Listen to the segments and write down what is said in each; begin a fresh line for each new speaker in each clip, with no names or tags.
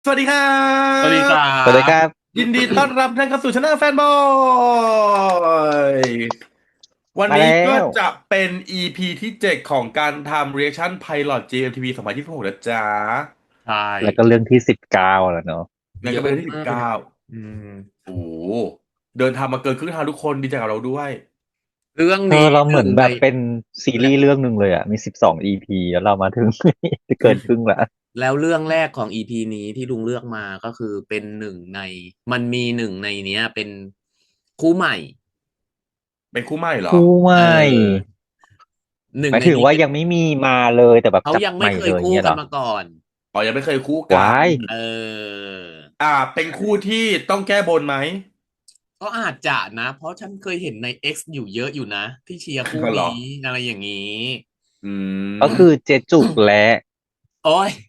สวัสดีครั
สวัสดีครั
บ
สวัสดีค
บ
รับ
ยินดีต้อนรับท่านเข้าสู่ช anel แฟนบอยวัน
มาแล้
นี้ก็
ว
จะเป็น EP ที่7ของการทำ Reaction Pilot GMTV 2026นะจ๊ะ
ใช่
แล้วก็เรื่องที่19แล้วเนาะ
งั้น
เยอะ
ก็เป็นเรื่องที่
มากเลยนะ
19
อืม
โอ้โหเดินทางมาเกินครึ่งทางทุกคนดีใจกับเราด้วย
เรื่อง
เธอ
นี้
เราเหมือน
หนึ่งใน
แบบเป็นซี
และ
รีส์เรื่องหนึ่งเลยอ่ะมี12 EP แล้วเรามาถึง จะเกินครึ่งละ
แล้วเรื่องแรกของ EP นี้ที่ลุงเลือกมาก็คือเป็นหนึ่งในมันมีหนึ่งในเนี้ยเป็นคู่ใหม่
เป็นคู่ใหม่เหรอ
คู่ให
เอ
ม่
อหนึ่
หมายถึง
งในนี้เป็น
ว่ายังไม่มีมาเลยแต่แบบ
เขา
จับ
ยังไม่เค
ใหม่เลยอ
ยคู่กัน
ย่างเงี้ยเหรอ
มาก่อน
อ๋อยังไม่เคยคู่กัน
วาย
เออ
เป็นคู่ที่ต้องแก้บนไหม
ก็อาจจะนะเพราะฉันเคยเห็นใน X อยู่เยอะอยู่นะที่เชียร์คู่
ก็เหรอ
นี้อะไรอย่างนี้
อื
ก็
ม
คือเจจุกและ
โอ้ย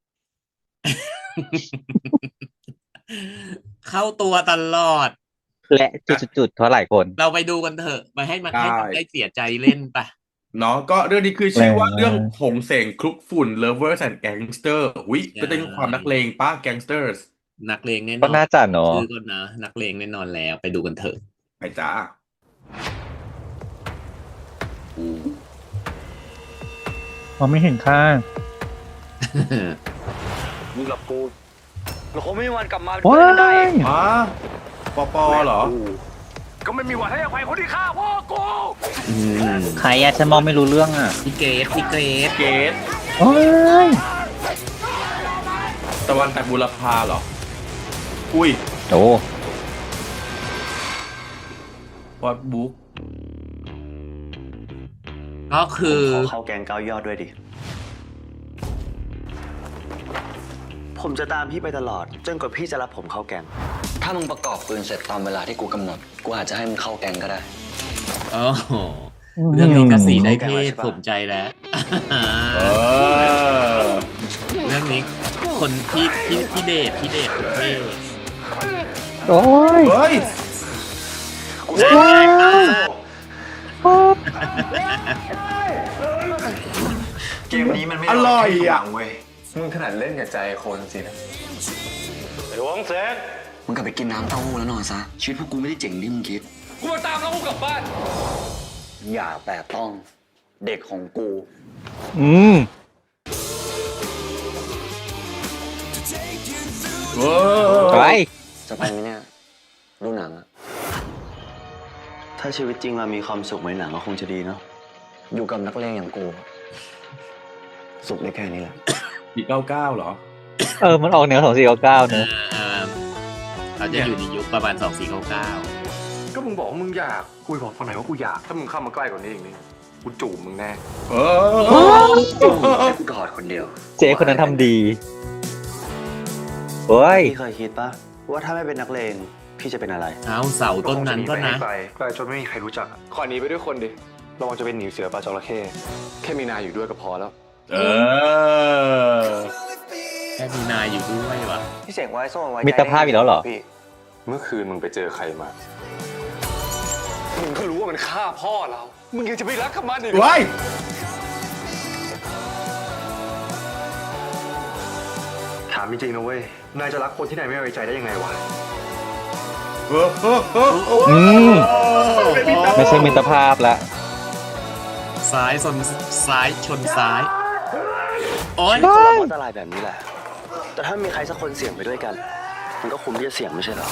เข้าตัวตลอด
และจุดๆเท่าไหร่คน
เราไปดูกันเถอะมาให้มัน
ได้
ให้มันได้เสียใจเล่นปะ
เนาะก็เรื่องนี้คือ
แร
ชื่อว่า
งมา
เรื่อง
ก
หงเสงคลุกฝุ่น Lovers and Gangster วิ
ใช
ก็จะมีความนัก่เลงป้า Gangsters
นักเลงแน่
ก็
นอน
น่าจะเนาะ
ชื่อก็นะนักเลงแน่นอนแล้วไปดูกันเถอะ
ไปจ้าอู้
มองไม่เห็นข้าง
มึงกับกูเราคงไม่มีวันกลับมาเป็น
ว้า
เพื่อนกันได้
ย
อ๋อปอปอเหรอ
กูก็ไม่มีวันให้อภัยคนที่ฆ่าพ่อกู
อืม
ใครอะฉันมองไม่รู้เรื่องอะ
พี่เกรซ
เกต
โอ้ย
ตะวันแตกบุรพาเหรอ อุ้ย
โอ้
วอดบุ๊ก
ก็คือ
ผมขอเข้าแกงเก้ายอดด้วยดิผมจะตามพี่ไปตลอดจนกว่าพี่จะรับผมเข้าแกงถ้ามึงประกอบปืนเสร็จตามเวลาที่กูกำหนดกูอาจจะให้มึงเข้าแกงก็ได้
โอ้โหเรื่องนี้กสีได้เพศสมใจแล้ว
เออ
เรื่องนี้คนพี่เดชคนเท่
โอ้ย
เฮ้ย
กูจะ
ว้ายว้าย
เกมนี้มันไม่
อร่อยอ่ะ
เว้ยมึงถนัดเล่นกับใจคนสินะไอ้หวงเซนมึงกลับไปกินน้ำเต้าหู้แล้วนอนซะชีวิตพวกกูไม่ได้เจ๋งที่มึงคิดกูมาตามแล้วกูกลับบ้านอย่าแตะต้องเด็กของกู
อืม
เว้
ไป
ย
จะไปไหมเนี่ยดูหนังอะถ้าชีวิตจริงเรามีความสุขเหมือนหนังก็คงจะดีเนาะอยู่กับนักเลงอย่างกู สุขได้แค่นี้แหละ
499เหรอ
มันออกแนว2499เนอะ
อ่าเขาจะอยู่ในยุคประมาณ2499
ก็มึงบอกว่ามึงอยากกูบอกตอนไหนว่ากูอยาก ถ้ามึงเข้ามาใกล้กว่านี้อีกนี่กูจูบมึงแน่
เอ
ให้กูกอดคนเดียว
เจ๊คนนั้นทำดีเฮ้ย
พี่เคยคิดปะว่าถ้าไม่เป็นนักเลงพี่จะเป็นอะไร
เอาเสาต้นนั้นก็นะ
ไกลไกลจนไม่มีใครรู้จักอะขอหนีไปด้วยคนดิระวังจะเป็นหนีเสือปลาจระเข้แค่มีนายอยู่ด้วยก็พอแล้ว
เออ
แค่มีนายอยู่ด้วยวะ
พี่เสกไว้ส้มไว้
มิตรภาพอีกแล้วเหรอ
พี่
เมื่อคืนมึงไปเจอใครมา มึงก็รู้ว่ามันฆ่าพ่อเรา มึงยังจะไปรักกับมันอีกเหรอ
ว้าย
ถามจริงๆนะเว้ย นายจะรักคนที่นายไม่ไว้ใจได้ยังไงวะ
อืมไม่ใช่มิตรภาพละ
ซ้ายชนซ้ายชนซ้าย โอ๊ย
ชีวิตคนเราก็อันตรายแบบนี้แหละ แต่ถ้ามีใครสักคนเสี่ยงไปด้วยกัน มันก็คุ้มที่จะเสี่ยงไม่ใช่เหรอ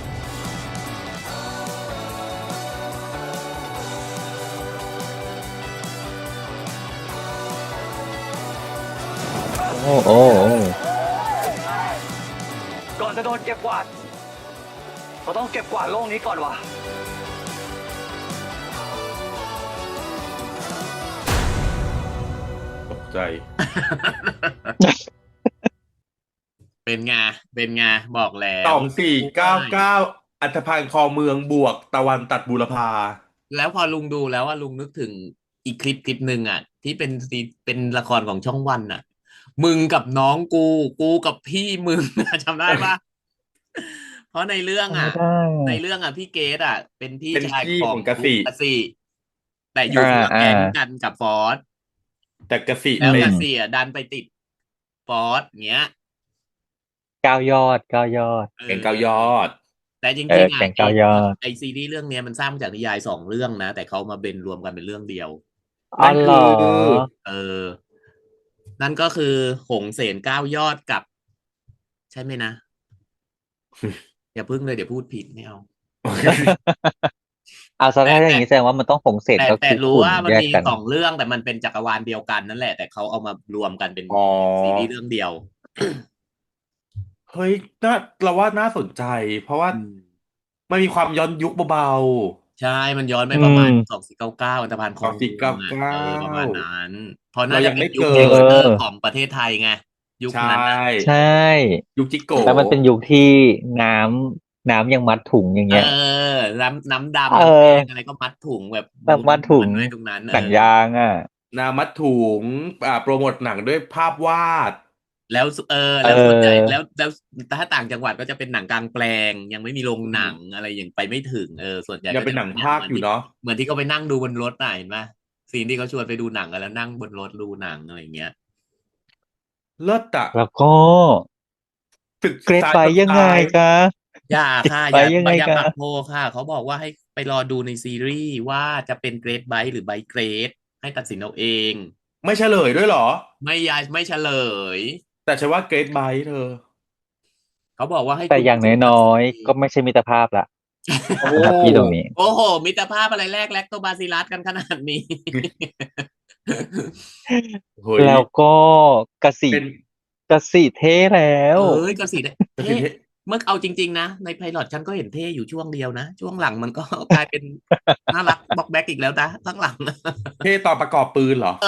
โอ้โอ้โอ้
ก่อนจะโดนเก็บกวาดเราต้องเก็บกวาดโลกนี้ก่อนวะ
ตกใจ
เป็นไงเป็นไงบอกแล้ว
2499อัฐพันธ์คอเมืองบวกตะวันตัดบูรพา
แล้วพอลุงดูแล้วว่าลุงนึกถึงอีกคลิปหนึ่งอ่ะที่เป็นละครของช่องวันอ่ะมึงกับน้องกูกับพี่มึงจำได้ปะเพราะในเรื่องอ่ะ
ทำไม่ได้
พี่เกดอ่ะเป็นพี่
เป็น
ชาย
พี่
ของ
ของกสิ
กสิแต่อยู่คนละ
อ่า
แก๊งกันกับฟอส
แต่กสิ
แล้ว
เป็น
กสิอ่ะดันไปติดฟอสเงี้ย
9 ยอด
เอ
แก๊ง
อ
เก้ายอด
แต่จริง
เออ
ๆอ่ะ
แก๊ง9 ยอด
ไอซีรีส์เรื่องเนี้ยมันสร้างมาจากนิยาย2 เรื่องนะ แต่เขามาเบนรวมกันเป็นเรื่องเดียว
อ๋อเหรอ
เออ นั่นก็คือหงเสน9 ยอดกับ ใช่ไหมนะ อย่าพึ่งเลยเดี๋ยวพูดผิดไม่เอา
เอาซะถ้าอย่างนี้แสดงว่ามันต้องหงเสร็จก็
แต่
คือ
รู้
ขุน
ว่ามัน
แยก
มี
กัน
2 เรื่องแต่มันเป็นจักรวาลเดียวกันนั่นแหละ แต่เขาเอามารวมกันเป็น
อ๋อ
ซีรีส์เรื่องเดียว
เฮ้ยเราว่าน่าสนใจ เพราะว่ามันมีความย้อนยุคเบา
ใช่ มันย้อนไปประมาณ
อืม
2499อันธพาลคลองเมืองอะ
2499
ประมาณนั้นเพราะน่า
เรายั
จะ
ง
เป็
ไม่
นยุค
เกิ
เท
ด
เลอร์ของประเทศไทยไง ยุ
ๆ
ค
ใช
นั้นน่ะ
ใช่
ยุคจิโก
แล้วมันเป็นยุคที่น้ำยังมัดถุงอย่างเงี้ย
น้ำดำ
เอ
น้ำ
อ
แดงอะไรก็มัดถุงแบบ
แบบมัดถุง
ด้วยตรงนั้น
หนังยางอ่ะ
นามัดถุงโปรโมทหนังด้วยภาพวาด
แล้วแล้วส่วนใหญ่แล้วถ้าต่างจังหวัดก็จะเป็นหนังกลางแปลง ยังไม่มีโรงหนังอะไรอย่างไปไม่ถึงส่วนใหญ่
ยังเป็นหนังภาคอยู่เนาะ
เหมือนที่เขาไปนั่งดูบนรถน่ะเห็นไหมซีนที่เขาชวนไปดูหนังกันแล้วนั่งบนรถดูหนังอะไรอย่างเงี้ย
เลิศอะ
แล้วก็
ศึก
เกรด
ษา
ไปยังไงคะ
อย่าค่ะ
ไปยังไง
อย่า
คะ
ปักโพค่ะ เขาบอกว่าให้ไปรอดูในซีรีส์ว่าจะเป็นเกรดไบท์หรือไบท์เกรดให้ตัดสินเอาเอง
ไม่เฉลยด้วยเหรอ
ไม่เฉลย
แต่ฉันว่าเกรดไบท์เธอ
เขาบอกว่าให้
แต่
คุณ
อย่าง
ผู้ชมตัด
น้อ
สิน
ย
เอง
ๆก็ไม่ใช่มิตรภาพละ
โอ้
สำหรับพี่ตรงนี้
โอ้โห มิตรภาพอะไรแรกแลคโตบาซิลัสกันขนาดนี้
เฮ้ย
แล้วก็กสิ
เป็น
กสิเท่แล้ว
ก็สิเท่เมื่อเอาจริงๆนะ ในไพลอตฉันก็เห็นเท่อยู่ช่วงเดียวนะ ช่วงหลังมันก็ กลายเป็นน่ารักบ็อกแบ็กอีกแล้วนะข้างหลัง
เท่ตอนประกอบปืนเหรอ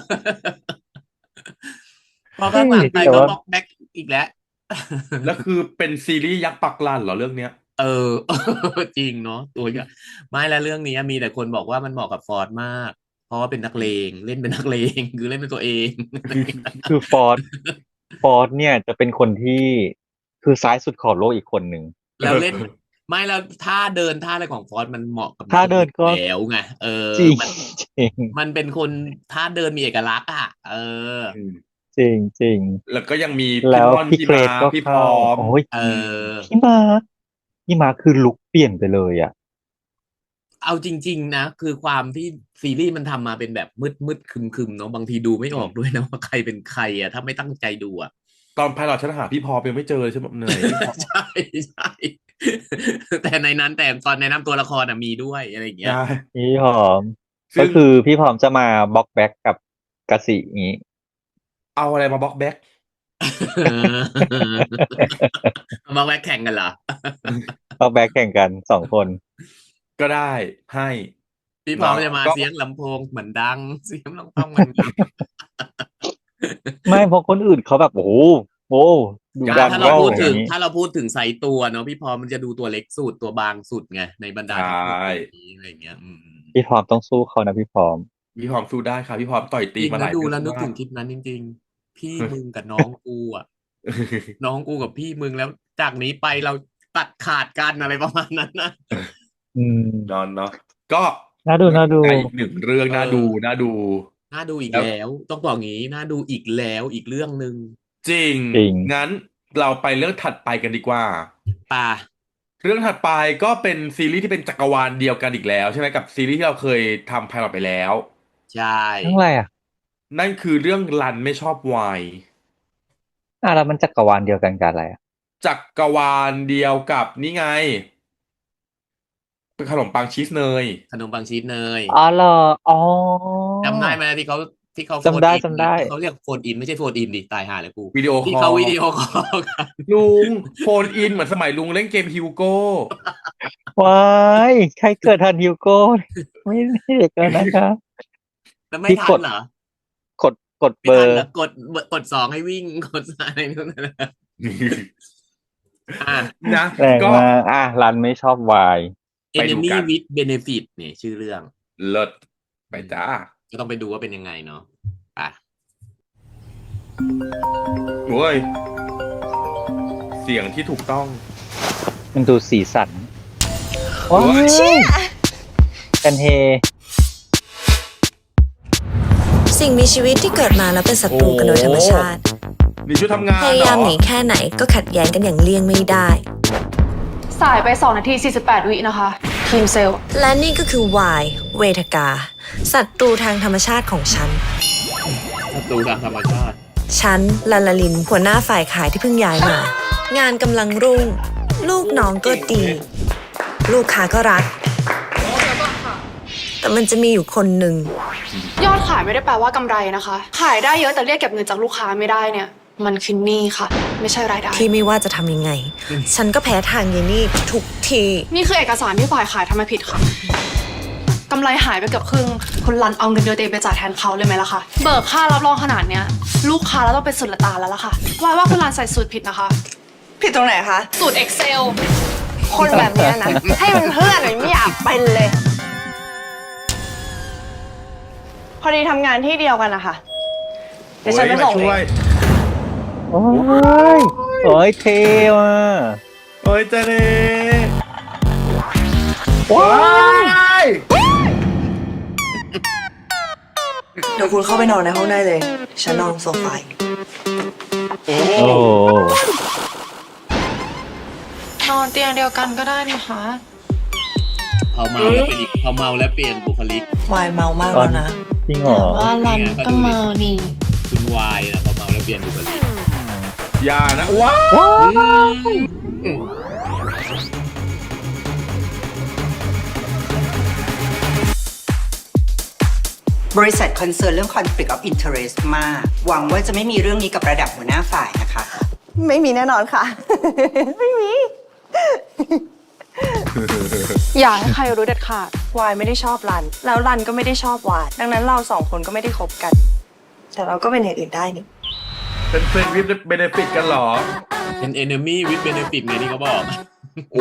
พอข้างหลังไป
แต่
ก็
ว่า
บ็อกแบ็กอีกแล้ว
แล้วคือเป็นซีรีส์ยักษ์ปักลันเหรอเรื่องเนี้ย
จริงเนาะตัวอย่างไม่แล้วเรื่องนี้มีแต่คนบอกว่ามันเหมาะกับฟอร์ดมาก เพราะว่าเป็นนักเลงเล่นเป็นนักเลง คือเล่นเป็นตัวเอง
คือฟอร์ดเนี่ยจะเป็นคนที่คือซ้ายสุดของโลกอีกคนหนึ่ง
แล้วเล่นไม่แล้วท่าเดินท่าอะไรของฟอร์ดมันเหมาะกับ
ท่าเดินก็
แล้วไง
จริง
มัน
จริง
มันเป็นคนท่าเดินมีเอกลักษณ์
จริงจริง
แล้วก็ยังมี
แล้
พี่
ว
ม่อน
พี่
พี่
เกร
มา
ดก็
พี่พ
เข้า
ร้อม
โอ้ย
เ
พี่มาคือลุคเปลี่ยนไปเลยอ่ะ
เอาจริง ๆ นะ คือความที่ซีรีส์มันทำมาเป็นแบบมืดคึมๆเนาะบางทีดูไม่ออกด้วยนะว่าใครเป็นใครอ่ะถ้าไม่ตั้งใจดูอ่ะ
ตอนไพลอตฉันหาพี่พร้อมยังไม่เจอเลยใช่ไหมเหนื่อย
ใช่ใช่แต่ในนั้นแต่ตอนแนะนำตัวละครมีด้วยอะไรอย่างเงี้ย
ใช่
พี่หอม
ซึ่
ก็
ง
คือพี่หอมจะมาบล็อกแบ็กกับกสิอย่างนี้
เอาอะไรมาบล็อกแบ็ก
มาแวะแข่งกันเหรอ
บล็อกแบ็กแข่งกัน2 คน
ก็ได้ให้
พี่พร้อมจะมา
ก็
เสียงลำโพงเหมือนดัง เสียงลำโพงเหมือนดัง
ไม่เพราะคนอื่นเขาแบบโอ้โหดูดัน
ถ้าเรา
ว่าว
พูด
อ
ถึ
ย่าง งนี้
ถ้าเราพูดถึงไซส์ตัวเนาะพี่พร้อมมันจะดูตัวเล็กสุดตัวบางสุดไงในบรรดา
ใช่
ทั้งหมดนี้อะไรอย่างเงี้ย
พี่พร้อมต้องสู้เขานะพี่พร้อม
พี่พร้อมสู้ได้ค่ะพี่พร้อมต่อย
จ
ตี
ริง
มาห
แล้
ลา
วย ดูแล้ว
เรื่
นึ
อก ง
ถึ
มาง
คลิปนั้นจริง ๆ พี่มึงกับน้องกูอ่ะ น้องกูกับพี่มึงแล้วจากนี้ไปเราตัดขาดกันอะไรประมาณนั้นนะ
อืม
นอนเนาะก็
น่าดู
อีกหนึ่งเรื่องน่าดู
น่าดูอีกแล้ว ต้องบอกงี้น่าดูอีกแล้วอีกเรื่องหนึ่ง
จริง
จริง
งั้นเราไปเรื่องถัดไปกันดีกว่า
ป่ะ
เรื่องถัดไปก็เป็นซีรีส์ที่เป็นจักรวาลเดียวกันอีกแล้วใช่ไหมกับซีรีส์ที่เราเคยทำไพลอตไปแล้ว
ใช่
ทั้งไรอ่ะ
นั่นคือเรื่องรันไม่ชอบไวน์
แล้วมันจักรวาลเดียวกันกับอะไรอ่ะ
จักรวาลเดียวกับนี่ไงเป็นขนมปังชีสเนย
ขนมปังชีสเนย
อ๋อเหรออ๋อ
จำได้ไหมที่เขา
จำได้
โฟนอิน
จำได้
เขาเรียกโฟนอินไม่ใช่โฟนอินดิตายห่าเลยกู
วิดีโอค
ที่
อ
เขา
ล
วิดีโอคอลกัน
ลุงโฟนอินเหมือนสมัยลุงเล่นเกมฮิวโก้
ว้ายใครเกิดทันฮิวโก้ ไม่เด็กแล้วนะคะ
แล้วไม่
ที่
ทั
ก
น
ด
เหรอก
ด
ไม่
เบอ
ทัน
ร์
เหรอกด2ให้วิ่งกดอะไรนู่นนั่นนะอ่ะ
นะ
แรง
ก็
มากรันไม่ชอบวาย
ไปดู
Enemy
กัน
with Benefit เนี่ยชื่อเรื่อง
เลิศไปจ้า
ก็ต้องไปดูว่าเป็นยังไงเนาะอ่ะ
โว้ยเสียงที่ถูกต้อง
มันดูสีสันว้ายกันเฮ
สิ่งมีชีวิตที่เกิดมาแล้วเป็นศัตรูกันโดยธรรมชาติ
นี่ชุดทำงาน
พ
เหร
ยายาม
อ
หนีแค่ไหนก็ขัดแย้งกันอย่างเลี่ยงไม่ได้
สายไป2 นาที 48 วินะคะ ทีมเซลล์
และนี่ก็คือวายเวทกา ศัตรูทางธรรมชาติของฉัน
ศัตรูทางธรรมชาติ
ฉันลาลาลินหัวหน้าฝ่ายขายที่เพิ่งย้ายมา งานกำลังรุ่ง ลูกน้องก็ดี ลูกค้าก็รัก แต่มันจะมีอยู่คนหนึ่ง
ยอดขายไม่ได้แปลว่ากำไรนะคะ ขายได้เยอะแต่เรียกเก็บเงินจากลูกค้าไม่ได้เนี่ย มันคือหนี้ค่ะ ไม่ใช่รายได้
ที่ไม่ว่าจะทำยังไง ฉันก็แพ้ทางเยนี่ทุกที
นี่คือเอกสารที่ฝ่ายขายทำมาผิดค่ะกำไรหายไปเกือบครึ่งคุณรันเอาเงินเดือนตัวเองไปจ่ายแทนเขาเลยไหมล่ะคะ เบิกค่ารับรองขนาดเนี้ย ลูกค้าแล้วต้องเป็นสุดละตาแล้วล่ะค่ะว่าคุณรันใส่สูตรผิดนะคะ
ผิดตรงไหนคะ
สูตร Excel
คนแบบเนี้ยนะ ให้มันเพื่อนหน่อยไม่อยากเป็นเลย พอดีทำงานที่เดียวกันนะคะ เดี๋ยวฉันไปส่ง
โอ้ยมาช่วย
โอ้ยโอ้ยเท่ว่ะ
โอ้ยเจเน่
ว้า
ว้าย
เดี๋ยวคุณเข้าไปนอนในห้องได้เลย ฉันนอนโซฟา
โอ้
โอ้
นอนเตียงเดียวกันก็ได้นะคะ
พอเมาแล้วเป็นอีกพอเมาแล้วเปลี่ยนบุคลิก
วายเมามากแล้วนะ
จริงเหรอ
ว่ารันก็เมานี่
คุณวายนะพอเมาแล้วเปลี่ยนบุคลิก
อย่านะว้าย
อืม
บริษัทคอนเซิร์นเรื่อง conflict of interest มาก หวังว่าจะไม่มีเรื่องนี้กับระดับหัวหน้าฝ่ายนะคะ
ไม่มีแน่นอนค่ะ ไม่มี
อย่าให้ใครรู้เด็ดขาด
วายไม่ได้ชอบรัน แล้วรันก็ไม่ได้ชอบวาย ดังนั้นเราสองคนก็ไม่ได้คบกัน แต่เราก็เป็นอย่างอื่นได้นี่
เป็นเฟรนด์วิดเบเนฟิตกันเหรอ
เป็น enemy with benefit ไงที่เขาบอก
โอ้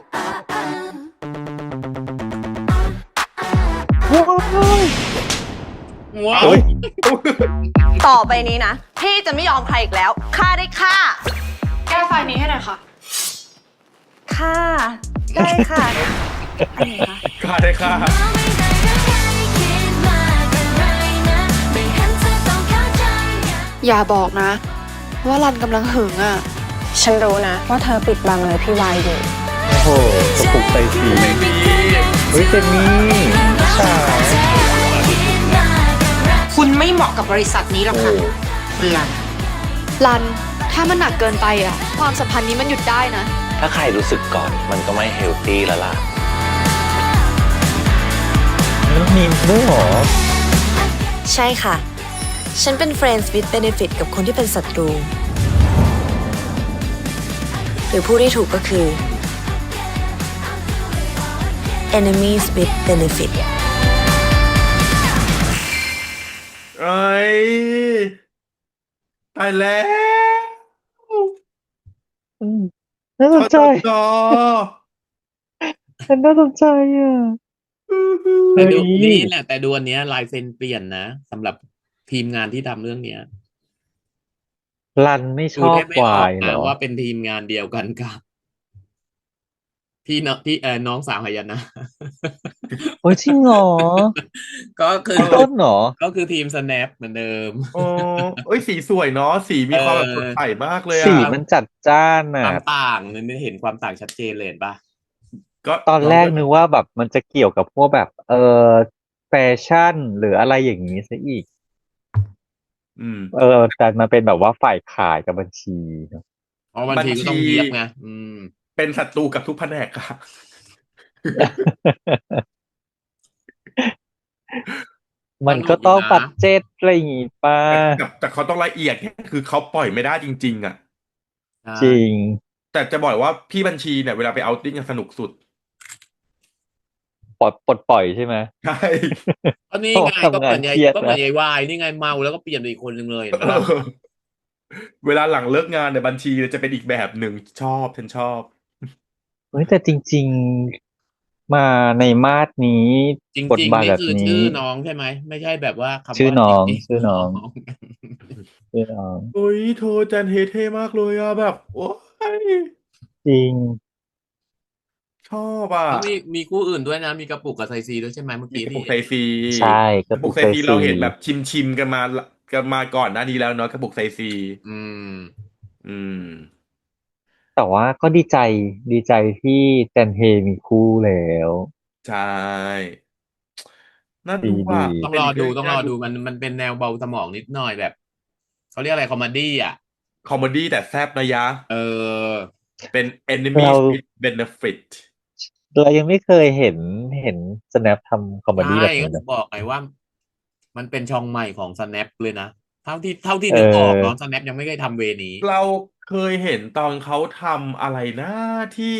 ว้าว
โอ้ย
ต่อไปนี้นะ พี่จะไม่ยอมใครอีกแล้ว ฆ่าได้ฆ่า
แก้ไฟล์นี้ให้หน่อยค่ะ
ฆ่า ได้ค่ะ
ค่าได้ค่า
อย่าบอกนะ ว่ารันกำลังหึงอ่ะ
ฉันรู้นะ ว่าเธอปิดบังอะไรพี่วายอยู่
โอ้โหกระปุกใส่สีเฮ้ยเจนนี่ใช่
คุณไม่เหมาะกับบริษัทนี้หรอกค่ะคุณลัน
รัน ถ้ามันหนักเกินไปอ่ะ ความสัมพันธ์นี้มันหยุดได้นะ
ถ้าใครรู้สึกก่อนมันก็ไม่เฮลตี้แล้วล่ะ
แล้วมีด้วยเหรอ
ใช่ค่ะ ฉันเป็น Friends with Benefit กับคนที่เป็นศัตรู หรือผู้ที่ถูกก็คือ Enemies with Benefit
เอ้ยตายแล้ว
น่าสนใจ
จอ
ฉันน่าสนใจอ่ะ
แต่ดู
เฮ้ย
นี่แหละแต่ดูอันเนี้ยลายเซ็นเปลี่ยนนะสำหรับทีมงานที่ทำเรื่องเนี้ย
รันไม่ช
ดู
อบ
แทบไม่อ
วา
อก
ยเหร
นะ
อ
ว่าเป็นทีมงานเดียวกันกับพี่น้องสาวหายนะ
โอ้ยจริงเหรอ
ก็คือ
ต้นเหรอ
ก็คือทีม snap เหมือนเดิม
อ๋อเอ้ยสีสวยเนาะสีมีความแบบสดใสมากเลย
สี
อ่ะ
มันจัดจ้าน
ค
อ่ะ
วามต่างเนี่ยเห็นความต่างชัดเจนเลยเห็นปะ
ก็
ตอนแรกนึกว่าแบบมันจะเกี่ยวกับพวกแบบแฟชั่นหรืออะไรอย่างนี้ซะอีก
อืม
แต่มาเป็นแบบว่าฝ่ายขายกับบัญชีเนอะ
เพราะบางทีก็ต้องเยียบไงม
เป็นศัตรูกับทุกแผนกค่ะ
มันก็ต้องปัดเจ็ดอะไรอย่างงี้ป่ะ
แต่เขาต้องละเอียดไงคือเขาปล่อยไม่ได้จริง ๆ อ่ะ
จริง
แต่จะบอกว่าพี่บัญชีเนี่ยเวลาไปเอาท์ติ้งสนุกสุด
ปล่อยใช่ไหม
ใช่
ก็นี่ไง
ทำงานเครียดนะ
ก็เหมือนยายวายนี่ไงเมาแล้วก็เปลี่ยนไปอีกคนนึงเลยเห็นปะล่ะ
เวลาหลังเลิกงานเนี่ยบัญชีจะเป็นอีกแบบหนึ่งชอบฉันชอบ
เฮ้ยแต่จริง ๆ มาในมาดนี้
จริง
บท
ๆ
บาท
นี่
แบบ
คือ
นี้
ชื่อน้องใช่ไหมไม่ใช่แบบว่าคำว่า
ชื่อน้อง
จริๆ
ชื่อน้อง ชื่อน้อง
โอ้ยโทจันเฮเท่มากเลยอะแบบ โอ้ย
จริง
ชอบอ่ะ
แล้วมีคู่อื่นด้วยนะ มีกระปุกกับไซซีด้วยใช่ไหมเมื่อ
มี
กี้
กระปุ
ที่
กไซซี
ใช่
กระปุกไซซีเราเห็นแบบชิมกันมากันมาก่อนหน้านี้แล้วเนาะกระปุกไซซี
อืม
อืม
แต่ว่าก็ดีใจที่แจนเฮมีคู่แล้ว
ใช่น่า
ดี
ดูอ่ะ
ดี
ต้อง
เป็น
รอ
อีก
ดู
เรื่อง
ต้อง
ที่
รอ
น่า
ดูมันเป็นแนวเบาสมองนิดหน่อยแบบเขาเรียกอะไรคอมเมดี้อ่ะ
คอมเมดี้แต่แซ่บนะยะ
เออ
เป็น enemies
เรา
with benefit
เรายังไม่เคยเห็น snap ทำคอมเม
ใช่
ดี้แบบ
ก็
นี้
ถึ
นะ
งบอกไงว่า มันเป็นช่องใหม่ของ Snap เลยนะ เท่าที่
เอ
นึกออก
อ
เนาะ Snap ยังไม่เคยทำเวนี้
เราเคยเห็นตอนเขาทำอะไรนะที่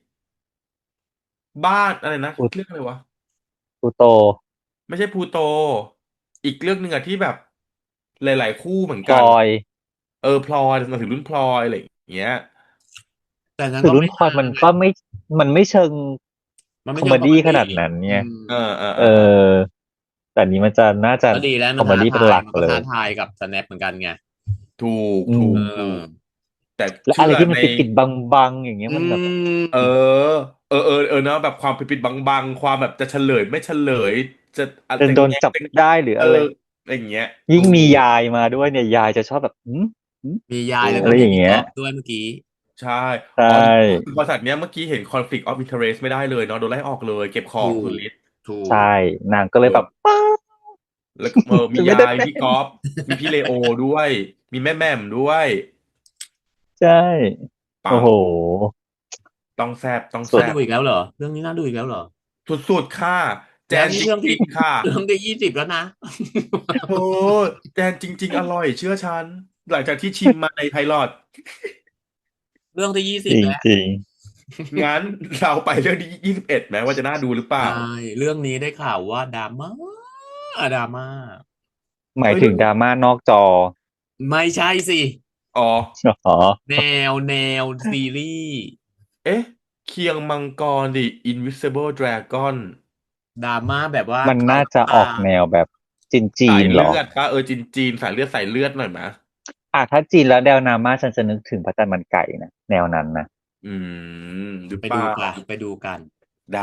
บ้านอะไรนะ
พู
เรื่องอะไรวะ
พูโต
ไม่ใช่พลูโต อีกเรื่องหนึ่งอะที่แบบหลายๆคู่เหมือน
พล
กัน
อย
พลอยมาถึงรุ่นพลอยอะไรอย่างเงี้ย
แต่นั้น
คือ
ก็
รุ่น
ไม่
พลอย
นาน
มัน
ไง
ก็มันไม่เชิง
มัน
ค
ไม่
อม
เชิ
เม
งคอม
ดี้
เม
ข
ดี้
นาดนั้น
อื
ไง
ม
เออ แต่อันนี้มันจะน่าจะ
ก็ดีแล้ว
ค
มั
อน มเม
ท้า
ดี้เป็
ทาน ย
หลัก
มันก็
เล
ท้าย ทายกับ Snap เหมือนกันไง
ถูก
อื
ถู
ม
ก
เอ
ถู
อ
ก แต่
และ
เชื่
อะไร
อ
ที่มัน
ใน
ปิดๆบังๆอย่างเงี้ย
อื
มันแบบ
ม
เอเนาะแบบความปิดๆบังๆความแบบจะเฉลยไม่เฉลย จะอะ
จน
จะ
โดน
แง้
จับ
จะ
ได้หรืออะไร
อะไรอย่างเงี้ย
ยิ่ง
ถู
มี
ก
ยายมาด้วยเนี่ย ยายจะชอบแบบ หือ
มียาย
ถู
แล้ว
อะ
ก็
ไร
มี
อย่าง
พี่
เงี้
ก๊
ย
อฟด้วยเมื่อกี้
ใช่
ใช่
บริษัทเนี้ยเมื่อกี้เห็น conflict of interest ไม่ได้เลยเนาะ โดนไล่ออกเลย เก็บข
ถู
องสุด
ก
ฤทธิ์
ถู
ใช่
ก
นางก็เลย
โด
แบ
น
บ ป๊า
แล้วก็ มี
ฉันไม่
ยา
ได้
ย
เป็
พี่
น
ก๊อฟ มีพี่เลโอด้วย มีแม่แหม่มด้วย
ใช่
ปั
โอ้
ง
โฮ
ต้องแซ่บ ต้อง
สุ
แซ่
น่า
บ
ดูอีกแล้วเหรอ เรื่องนี้น่าดูอีกแล้วเหรอ?
สุด ๆ ค่ะ แจ
แล้ว
น
นี่
จ
เรื่อง
ริ
ที่
ง ๆ ค่ะ
เรื่องที่ 20 แล้วนะ
เธอ แจนจริง ๆ อร่อย เชื่อฉัน หลังจากที่ชิมมาใน Pilot
เรื่องที่
จ
20 แล้ว
ริง ๆ
งั้น เราไปเรื่องที่ 21 ไหมว่าจะน่าดูหรือเปล่า?
ใช่ เรื่องนี้ได้ข่าวว่า drama drama
หมาย
เฮ้ย
ถึ
เรื่
ง
อง
drama นอกจอ
ไม่ใช่สิ
อ๋อ
อ๋อ
แนวซีรีส์
เอ๊ะ เคียงมังกร The Invisible Dragon
drama แบบว่า
มัน
ขาย
น่า
น้ำ
จะ
ต
ออกแนวแบบจี
สาย
น ๆ
เ
เหรอ?
ลือดเปล่า? จีน ๆ สายเลือด หน่อยไหม?
ถ้าจีนแล้วแนว drama ฉันจะนึกถึงพระจันทร์มันไก่นะ แนวนั้นนะ
หรือ
ไป
เป
ดู
ล่า?
กัน ไปดูกัน
ได้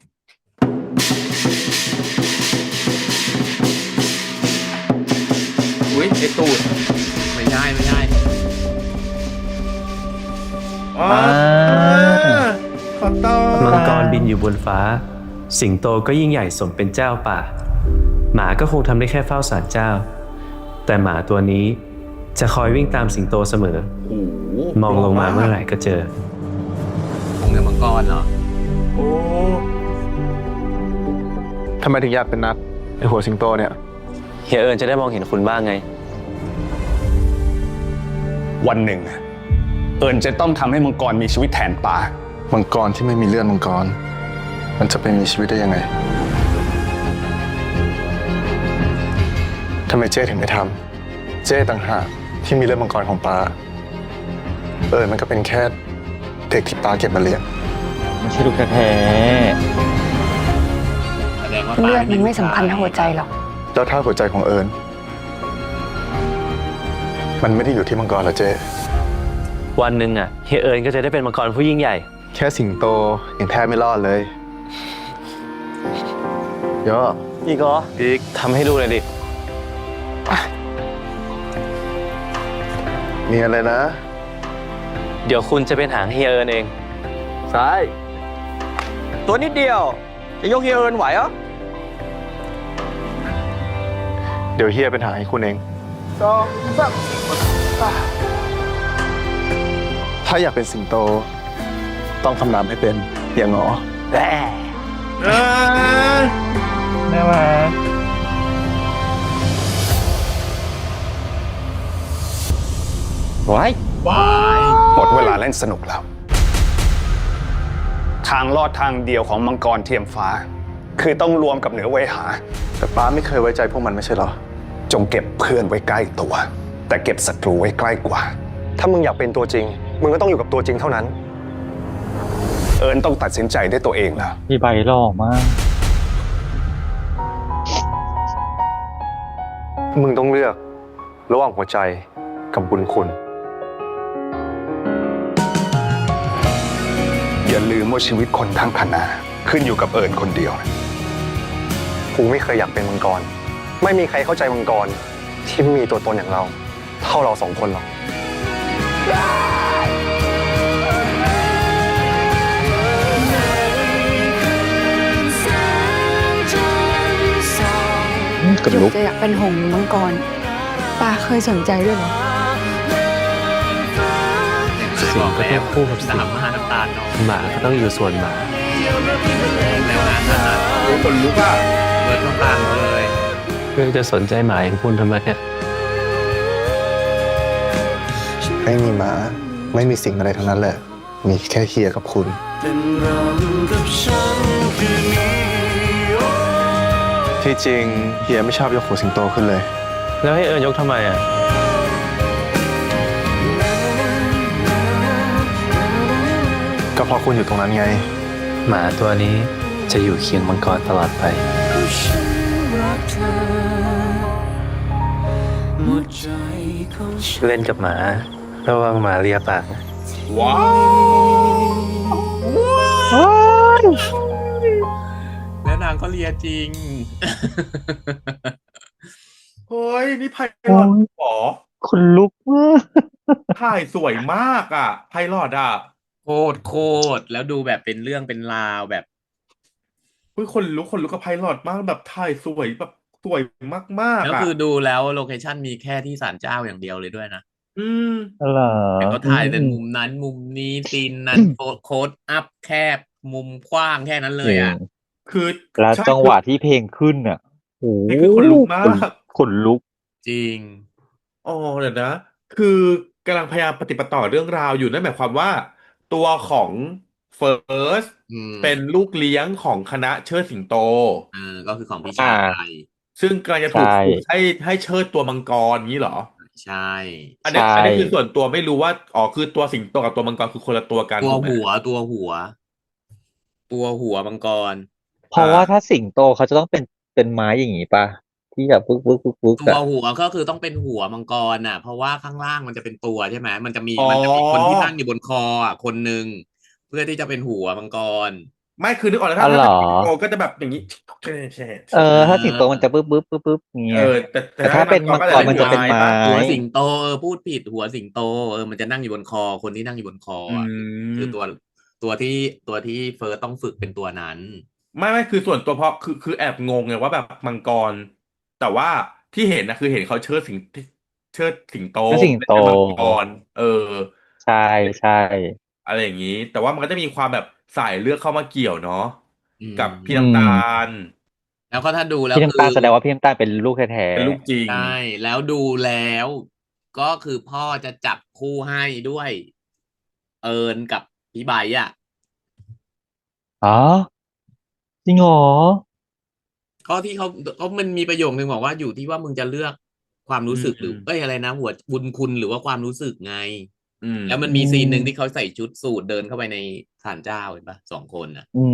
อุ๊ย ไอ้ตูด
ไม่ใช่
อ๋อ
อา
ขอโทษ
มังกรบินอยู่บนฟ้า สิงโตก็ยิ่งใหญ่สมเป็นเจ้าป่า หมาก็คงทำได้แค่เฝ้าศาลเจ้า แต่หมาตัวนี้จะคอยวิ่งตามสิงโตเสมอ
โอ้โฮ
มองลงมาเมื่อไหร่ก็เจอ
องค์ในมังกรเหรอ?
โอ้
ทำไมถึงอยากเป็นนัก ไอ้หัวสิงโตเนี่ย?
เฮียเอิญจะได้มองเห็นคุณบ้างไง
วันหนึ่ง เอิญจะต้องทำให้มังกรมีชีวิตแทนป่า
มังกรที่ไม่มีเลือดมังกร มันจะไปมีชีวิตได้ยังไง? ทำไมเจ้ถึงไม่ทำ เจ้ต่างหากที่มีเลือดมังกรของป๊า เอิญมันก็เป็นแค่เด็กที่ป๊าเก็บมาเลี้ยง
ไม่ใช่ลูกแท้
แสดงว่า
เลือด
ป๊า
มันไม่สำคัญเท่าหัวใจหรอก
แล้วถ้าหัวใจของเอิญมันไม่ได้อยู่ที่มังกรเหรอเจ้?
วันหนึ่งอะเฮียเอิญก็จะได้เป็นมังกรผู้ยิ่งใหญ่
แค่สิงโตยังแทบไม่รอดเลยย่อ
อีกเหรอ
อีก
ทำให้ดูหน่อยดิ
มีอะไรนะ?
เดี๋ยวคุณจะเป็นหางเฮียเอิญเอง
ซ้าย
ตัวนิดเดียว จะยกเฮียเอิญไหวเหรอ?
เดี๋ยวเฮียเป็นหางให้คุณเอง 2 3 ถ้าอยากเป็นสิงโต ต้องคำรามให้เป็นอย่างหงอ
ๆ น่ารัก ว้าย
หมดเวลาเล่นสนุกแล้ว ทางรอดทางเดียวของมังกรเทียมฟ้า คือต้องรวมกับเหนือเวหา
แต่ป๊าไม่เคยไว้ใจพวกมันไม่ใช่เหรอ?
จงเก็บเพื่อนไว้ใกล้ตัว แต่เก็บศัตรูไว้ใกล้กว่า
ถ้ามึงอยากเป็นตัวจริง มึงก็ต้องอยู่กับตัวจริงเท่านั้น
เอิญต้องตัดสินใจด้วยตัวเองแล้ว
พี่ใบหล่อมาก
มึงต้องเลือกระหว่างหัวใจกับบุญคุณ
อย่าลืมว่าชีวิตคนทั้งคณะขึ้นอยู่กับเอิญคนเดียว
กูไม่เคยอยากเป็นมังกร ไม่มีใครเข้าใจมังกรที่ไม่มีตัวตนอย่างเรา เท่าเราสองคนหรอก
กระลุก
จะอยากเป็นหงส์หรือมังกรปาเคยสนใจด้วยเหรอ
สิงก็ต้องคู่กับสิง
3 5น้ำตาลน้อง
หมาก็ต้องอยู่ส่วนหมา
แล้วงานนั้นน่ะ
โอ้คนลุกอ่ะ
เบิร์ดต้องตามเขาเลย
เพื่อจะสนใจหมาอย่างคุณทำไมเนี่ย
ไม่มีหมา ไม่มีสิ่งอะไรทั้งนั้นแหละ มีแค่เฮียกับคุณ ที่จริงเฮียไม่ชอบยกหัวสิงโตขึ้นเลย
แล้วให้เอิญยกทำไมอ่ะ
ก็เพราะคุณอยู่ตรงนั้นไง
หมาตัวนี้จะอยู่เคียงมังกรตลอดไป เล่นกับหมาระวังหมาเลียปากนะ
ว้าว
แล้วนางก็เลียจริง
เฮ้ยนี่ไพลอตหรอ
คนลุกมาก
ถ่ายสวยมากอ่ะไพลอตอ่ะ
โคตรแล้วดูแบบเป็นเรื่องเป็นราวแบบ
เฮ้ยคนลุกกับไพลอตมากแบบถ่ายสวยแบบสวยมาก
แล้ว
ๆอ่ะ
คือดูแล้วโลเคชั่นมีแค่ที่ศาลเจ้าอย่างเดียวเลยด้วยนะ
อืม
เหรอ
แต่ก็ถ่ายแต่มุมนั้นมุมนี้ซีนนั้นโค้ดอัพแคบมุมกว้างแค่นั้นเลยอ่ะ
คือ
แล้ว
ใช่
จังหวะที่เพลงขึ้นอ่ะโอ้
นี่คือขนลุกมาก
ขนลุก
จริง
อ๋อเดี๋ยวนะ คือกำลังพยายามปฏิบัติต่อเรื่องราวอยู่นั่นหมายความว่า ตัวของเฟิร์ส
อืม
เป็นลูกเลี้ยงของคณะเชิดสิงโต
ก็คือของพี่ชาย
ซึ่งกำลังจะถูก
ใช่
ฝึกให้เชิดตัวมังกรนี้เหรอ
ใช่
อันนี้
ใช่
อันนี้คือส่วนตัวไม่รู้ว่าอ๋อคือตัวสิงโตกับตัวมังกรคือคนละตัวกัน
ตัว
ถูกไหม
หัวมังกร
เพราะว่าถ้าสิงโตเขาจะต้องเป็นไม้อย่างงี้ป่ะ ที่แบบปึ๊ก
ตัว
อะ
หัวก็คือต้องเป็นหัวมังกรน่ะ เพราะว่าข้างล่างมันจะเป็นตัวใช่ไหมมันจะมี
อ๋อ
คนที่นั่งอยู่บนคออ่ะคนหนึ่งเพื่อที่จะเป็นหัวมังกร
ไม่คือนึกออกแล้ว
อ๋อเหร
ถ้า
อ
สิงโตก็จะแบบอย่างนี้ใช่
ถ้าสิงโตมันจะปึ๊บเงี้
เอย อแต่
แต่ถ้าเป็นมังกรมันจะเป็นไม้
หัวสิงโตพูดผิดหัวสิงโตมันจะนั่งอยู่บนคอคนที่นั่งอยู่บนคอ
อื
อ่ะ
ม
คือตัวที่เฟิร์สต้องฝึกเป็นตัวนั้น
ไม่คือส่วนตัวเพราะคือแอบงงไงว่าแบบมังกร แต่ว่าที่เห็นนะคือเห็นเขาเชิดสิงโต
เชิดสิงโต
ไม่ใช่มังกร
ใช่ใช่
อะไรอย่างนี้ แต่ว่ามันก็จะมีความแบบสายเลือดเข้ามาเกี่ยวเนาะ
อืม
กับพี่น้ำตาล
แล้วก็ถ้าดูแล้ว
พี่น้ำตาล
คือ
แสดงว่าพี่น้ำตาลเป็นลูกแท้
เป็นลูกจริง
ใช่แล้วดูแล้ว ก็คือพ่อจะจับคู่ให้ด้วย เอิญกับพี่ใบอ่ะ
ๆอ๋อจริงเหรอ
ก็ที่เขามันมีประโยคนึงบอกว่าอยู่ที่ว่ามึงจะเลือกความรู้สึกหรืออะไรนะหัวบุญคุณหรือว่าความรู้สึกไง
อืม
แล้วมันมีซีนหนึ่งที่เขาใส่ชุดสูทเดินเข้าไปในศาลเจ้าเห็นปะ2 คนน่ะ
อืม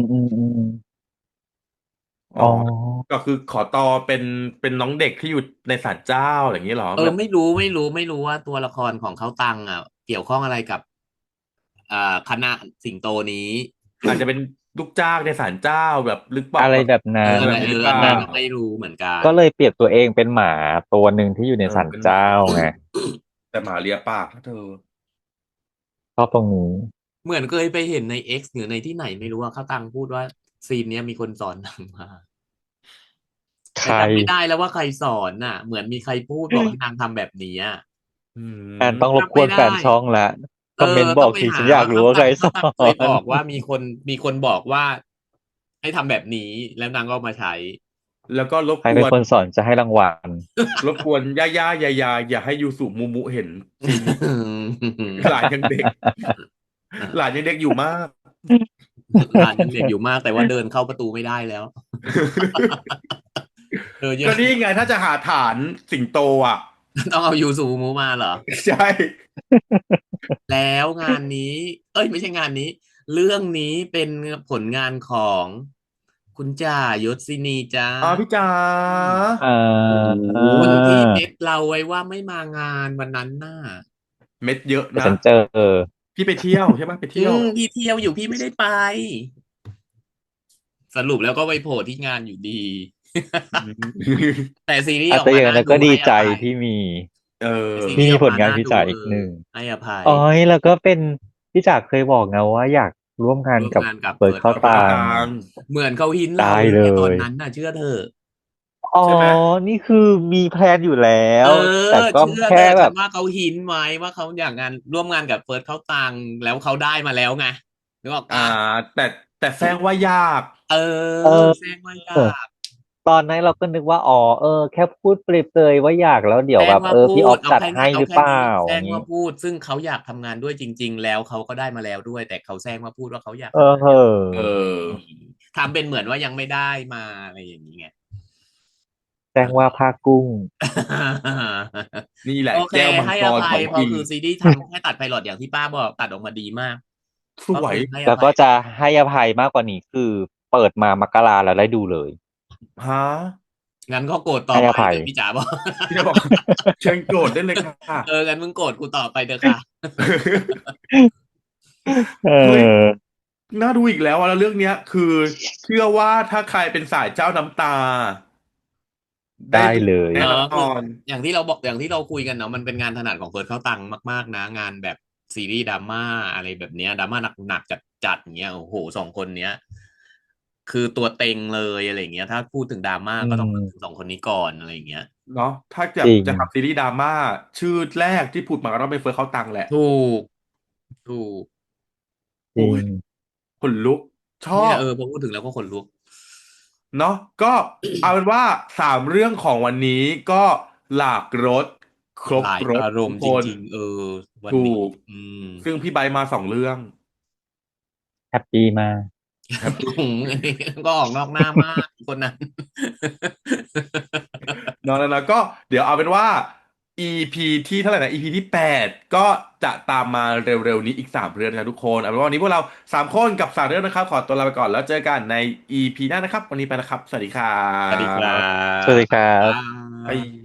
อ๋อ
อ๋อ
ก็คือขอตอเป็นน้องเด็กที่อยู่ในศาลเจ้าอย่างนี้เหรอแบบ
ไม่รู้ว่าตัวละครของเขาตังอ่ะ เกี่ยวข้องอะไรกับคณะสิงโตนี้
อาจจะเป็นลูกจ้างในศาลเจ้าแบบหรือเปล่า
อะไรแบบนั้น
แบบนี้หรือเปล่า
อันนั้นไม่รู้เหมือนกัน
ก็เลยเปรียบตัวเองเป็นหมาตัวหนึ่งที่อยู่ในศาลเจ้าไง
แต่หมาเลียปากนะเธอ
ชอบตรงนี้
เหมือนเคยไปเห็นใน X หรือในที่ไหนไม่รู้ว่าเขาตังพูดว่าซีนเนี้ยมีคนสอนนางมา
ใค
แต่
ร
จำไม่ได้แล้วว่าใครสอนน่ะ เหมือนมีใครพูดบอกให้นางทำแบบนี้อ่ะ
อืม
แอนต้องรบกวนแฟนช่องละคอมเมนต์บอกที
ต้งไปห
ฉันอยากรู้ว่าใครสอ
เขาเคยบอก
น
ว่ามีคนบอกว่า ให้ทำแบบนี้แล้วนางก็เอามาใช้
แล้วก็รบ
ใคร
ก
เป็น
วน
คนสอนจะให้รางวัล
รบกวนย่าอย่าให้ยูสุมูมุเห็นจริง หลานยังเด็ก หลานยังเด็กอยู่มาก
หลานยังเด็กอยู่มากแต่ว่าเดินเข้าประตูไม่ได้แล้ว
ก็นี่ไงถ้าจะหาฐานสิงโตอ่ะ
ต้องเอายูซูมูมาเหรอ
ใช่
แล้วงานนี้ ไม่ใช่งานนี้ เรื่องนี้เป็นผลงานของคุณจ่ายศศินีจ้า
พี่จ๋า
คนที่เม็ดเราไว้ว่าไม่มางานวันนั้นน่ะ
เม็ดเยอะ
แต่
นะ
ฉันเจอ
พี่ไปเที่ยวใช่ไหมไปเที่ยว
พี่เที่ยวอยู่พี่ไม่ได้ไป สรุปแล้วก็ไปโผล่ที่งานอยู่ดีแต่ซีรีส์
อา
อ
จ
อก
จะ
มา
อย่าง
น่า
นั้น
ดู
ก็ดี
ให้อ
ใจ
ภัย
ที่มี
เออ
ซี
มี
รีส์ออก
ผล
มาง
าน
น่า
พิ
ดู
จารณ์อีกหนึ่ง
ให้อภัย
อ๋อยแล้วก็เป็นพี่จักรเคยบอกนะว่าอยากร่วมงาน
ร่วม
กับ
งานกับ
เฟิร์
เฟิ
ส
ร์ส
เข้า
เข้า
ตั
ตั
ง
ง
ค์
เหมือนเขาหินเรา
ได้
ตั้
เล
งแต่ตอน
ย
นั้นน่ะ เชื่อเถอะ
อ๋อ
ใช่ไหม
นี่คือมีแพลนอยู่แล้
เอ
ว แต่
อ
ก็
เชื่อ
แค่
เถอะ
แบ
ฉั
บ
นว่าเขาหินไว้ว่าเขาอยากร่วมงานกับเฟิร์สเข้าตังค์แล้วเขาได้มาแล้วไงนึกออก
อ่า
เปล่า
แต่แซงว่ายาก
เอ
เอ
อ
อ
แซงว่ายาก
ตอนนั้นเราก็นึกว่า อ๋อ แค่พูดเปรยๆว่าอยากแล้วเดี๋ย
แซ
วแบ
ง
บ
ว่าพู
พี่ออ
ด
ฟ
เอา
จัด
แค่
ให้
เนี้ย เอา
หรือ
แค่
เปล่า
นี้ แซ
อย่าง
ง
งี้
ว่าพูด ซึ่งเขาอยากทำงานด้วยจริง ๆ แล้วเขาก็ได้มาแล้วด้วย แต่เขาแซงมาพูดว่าเขาอยาก
เอ
ทำ
อ
งาน
เห
อ
อะ
เออ
ทำเป็นเหมือนว่ายังไม่ได้มา อะไรอย่างงี้ไง
แจ้งว่าผ้ากุ้ง
นี่แหละ
โอเค
แก้วมัง
ให้
ก
อ
ร
ภั
ข
ย
อง
เพราะ
จริง
คือซีรีส์ทำ แค่ตัด Pilot อย่างที่ป้าบอก ตัดออกมาดีมาก
ส
ก็
ว
คื
ย
อให้อ
แล้ว
ภั
ก็
ย
จะให้อภัยมากกว่านี้ คือเปิดมามกราแล้วได้ดูเลย
ฮะ
งั้นก็โกรธต่
ให
อ้
อ
ไป
ภัย
เถอะ พี่จ๋าบอก
พี่จะบอก เชิญโกรธได้เลยค่ะ
งั้นมึงโกรธกูต่อไปเถอะค่ะ
เอ
เฮ้ย
อ
น่าดูอีกแล้วอะแล้วเรื่องเนี้ย คือเชื่อว่าถ้าใครเป็นสายเจ้าน้ำตา ได้
ได้
ดู
เลย
แน่ น
คือ
อน
อย่างที่เราบอก อย่างที่เราคุยกันเนาะ มันเป็นงานถนัดของเฟิร์สเข้าตังค์มาก ๆ นะ งานแบบซีรีส์ดราม่าอะไรแบบเนี้ย ดราม่าหนัก ๆ จัด ๆ อย่างเงี้ย โอ้โฮ 2 คนเนี้ย คือตัวเต็งเลย อะไรอย่างเงี้ย ถ้าพูดถึงดราม่า
อื
ก็ต้องนึก
ม
ถึง 2 คนนี้ก่อน อะไรอย่างเงี้ย
เนาะ ถ้าจะ
จริง
จะทำซีรีส์ดราม่า ชื่อแรกที่ผุดมาก็ต้องเป็นเฟิร์สเข้าตังค์แหละ
ถูก ถูก
จริ
โอ๊ย
ง
ขนลุก ชอ
เนี่ย
บ
พอพูดถึงแล้วก็ขนลุก
เนาะ ก็ เอาเป็นว่า 3 เรื่องของวันนี้ก็หลากรส ครบ
หลาย
รส
อาร
ทุ
ม
ก
ณ์
ค
จ
น
ริง ๆ วัน
ถู
นี้
ก
ม
ซึ่งพี่ไบร์ทมา 2 เรื่อง
แฮปปีมาก
แฮป ปี
อื้อฮือ ก็ออกนอกหน้ามาก คนนั้น
เนาะ ๆ ๆ ก็เดี๋ยวเอาเป็นว่า EP ที่เท่าไรนะ EP ที่ 8 ก็จะตามมาเร็ว ๆ นี้อีก 3 เรื่องนะครับทุกคน เอาเป็นว่าวันนี้พวกเรา 3 คนกับ 3 เรื่องนะครับ ขอตัวลาไปก่อน แล้วเจอกันใน EP หน้านะครับ วันนี้ไปแล้วครับ สวัสดีครั
สวัสดีครั
บ
สวัสดีครั
บ๊าย
บ
บา
บ๊าย
ย